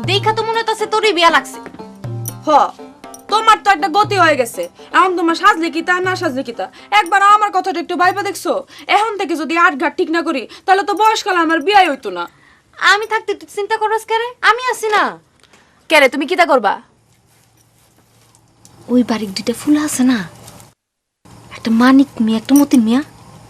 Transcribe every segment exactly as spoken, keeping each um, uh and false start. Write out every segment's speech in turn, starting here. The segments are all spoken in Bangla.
দেখা তো মনে হচ্ছে তোরই বিয়া লাগছে। হ, তোমার তো একটা গতি হয়ে গেছে। এখন তোমার সাজলে কিতা না সাজলে কিতা, একবার আমার কথাটা একটু ভাইবা দেখছো? এখন থেকে যদি আট ঘাট ঠিক না করি তাহলে তো বয়সকালে আমার বিয়ে হইতো না। আমি থাকতে তুই চিন্তা করস কেরে? আমি আছি না। কেরে তুমি কিতা করবা? ওই বাড়ির দুইটা ফুল আছে না, একটা মানিক মিয়া একটা মতিন মিয়া,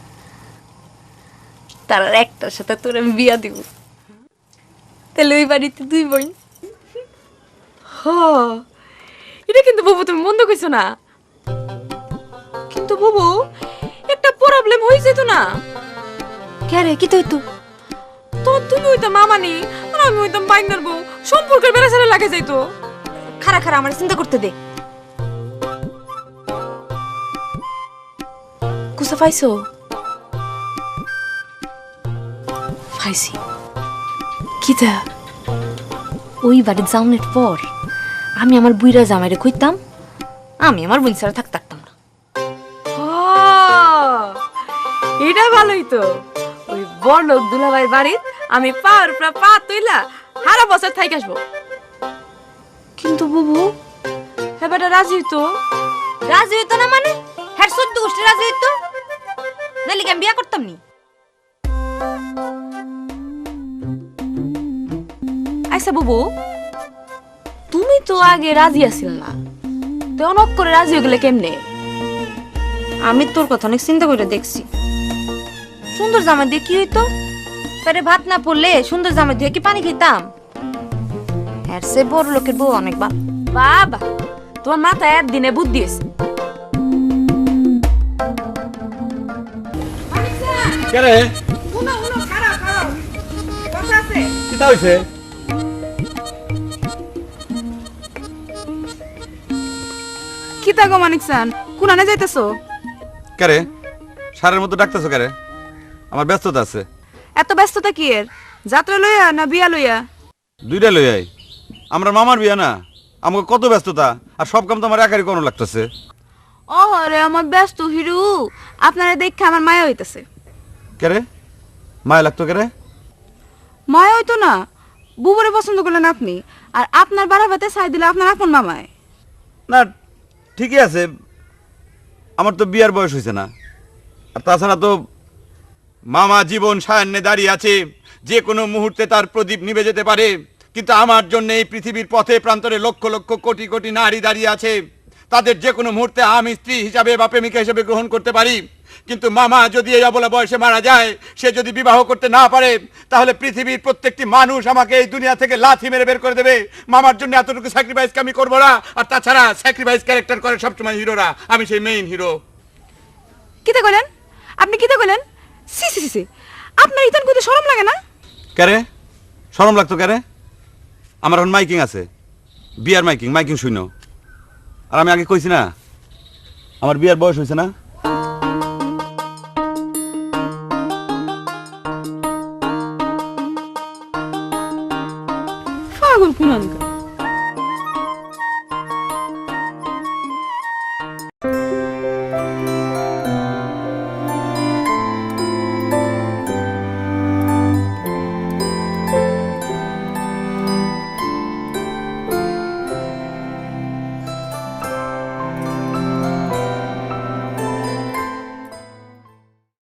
তার একটার সাথে তোর আমি বিয়া দিব। তাহলে ওই বাড়িতে দুই বোন। হ, এটা কিন্তু বাবু তুমি মন্দ কইছো না। কিন্তু বাবু একটা প্রবলেম হয়ে যেত না? কেরে কি তুই তো তো তুমি হইতাম মামানি আর আমি হইতাম বাইনার বউ, সম্পর্কের বেড়া ছেড়ে লাগে যাইতো। খারা খারা আমার চিন্তা করতে দে। কুসা পাইছো? পাইছি। কিতা? ওই বাড়ি যাওনের পর আমি আমার বুইরা জামাইরে কইতাম আমি আমার বোন ছাড়া থাকতে পারতাম না। এটা ভালোই তো। ওই বড়লোক দুলাভাইয়ের বাড়ির আমি পাওয়ার পর পা তুইলা সারা বছর থাইকে আসবো। কিন্তু বুবু হ্যাঁ বেটা রাজি হইতো। রাজি হইতো না মানে? হ্যাঁ সদ্য গোষ্ঠী রাজি হইতো, নাহলে কি আমি বিয়া করতাম নি? আচ্ছা বুবু, তুমি তো আগে রাজি আছিল না, তো অনক করে রাজি হয়ে গেলে কেমনে? আমি তোর কথা অনেক চিন্তা করে দেখছি। সুন্দর জামা দিয়ে কি হইতো? পেটে ভাত না পড়লে সুন্দর জামা দিয়ে কি পানি খেতাম? এর সে বড় লোকের বউ অনেক বা বাবা, তোমার মাথায় একদিনে বুদ্ধি এসে। কেরে উনো উনো খারাপ খারাপ কথা আছে। কিতা হইছে? কিতা গো মানিক সান, কুনানে যাইতেছো? কেরে সারের মতো ডাকতেছো কেরে? আমার ব্যস্ততা আছে। এত ব্যস্ততা কি এর? যাত্রা লইয়া না বিয়া লইয়া? দুইটা লই আই। আমরা মামার বিয়া না, আমাকে কত ব্যস্ততা, আর সব কাম তো আমার একারই কোনো লাগতেছে। ওরে আমার ব্যস্ত হিরু, আপনারা দেখে আমার মায়া হইতাছে। কেরে মায়া লাগতো কেরে? মায়া হইতো না, বুবুরে পছন্দ করলেন আপনি, আর আপনার বাড়াবাতে চাই দিলে আপনার আপন মামায়। না ঠিকই আছে, আমার তো বিয়ার বয়স হয়েছে না। আর তাছাড়া তো মামা জীবন সায়ান্নে দাঁড়িয়ে আছে, যে কোনো মুহূর্তে তার প্রদীপ নিভে যেতে পারে। কিন্তু আমার জন্য এই পৃথিবীর পথে প্রান্তরে লক্ষ লক্ষ কোটি কোটি নারী দাঁড়িয়ে আছে, তাদের যে কোনো মুহূর্তে আমি স্ত্রী হিসাবে বা প্রেমিকা হিসাবে গ্রহণ করতে পারি। কিন্তু মামা যদি এই অবলা বয়সে মারা যায়, সে যদি বিবাহ করতে না পারে, তাহলে পৃথিবীর প্রত্যেকটি মানুষ আমাকে এই দুনিয়া থেকে লাথি মেরে বের করে দেবে। মামার জন্য এতটুকু স্যাক্রিফাইস আমি করবো না। আর তাছাড়া স্যাক্রিফাইস ক্যারেক্টার করে সবসময় হিরোরা, আমি সেই মেইন হিরো। কিতা কইলেন আপনি? কিতা কইলেন? সি সি সি, আপনার ইতান কইতে শরম লাগে না? ক্যারে শরম লাগতো ক্যারে? আমার এখন মাইকিং আছে, বিয়ার মাইকিং, মাইকিং শুনো। আর আমি আগে কইছি না আমার বিয়ার বয়স হয়েছে না? পাগল কুনানকা।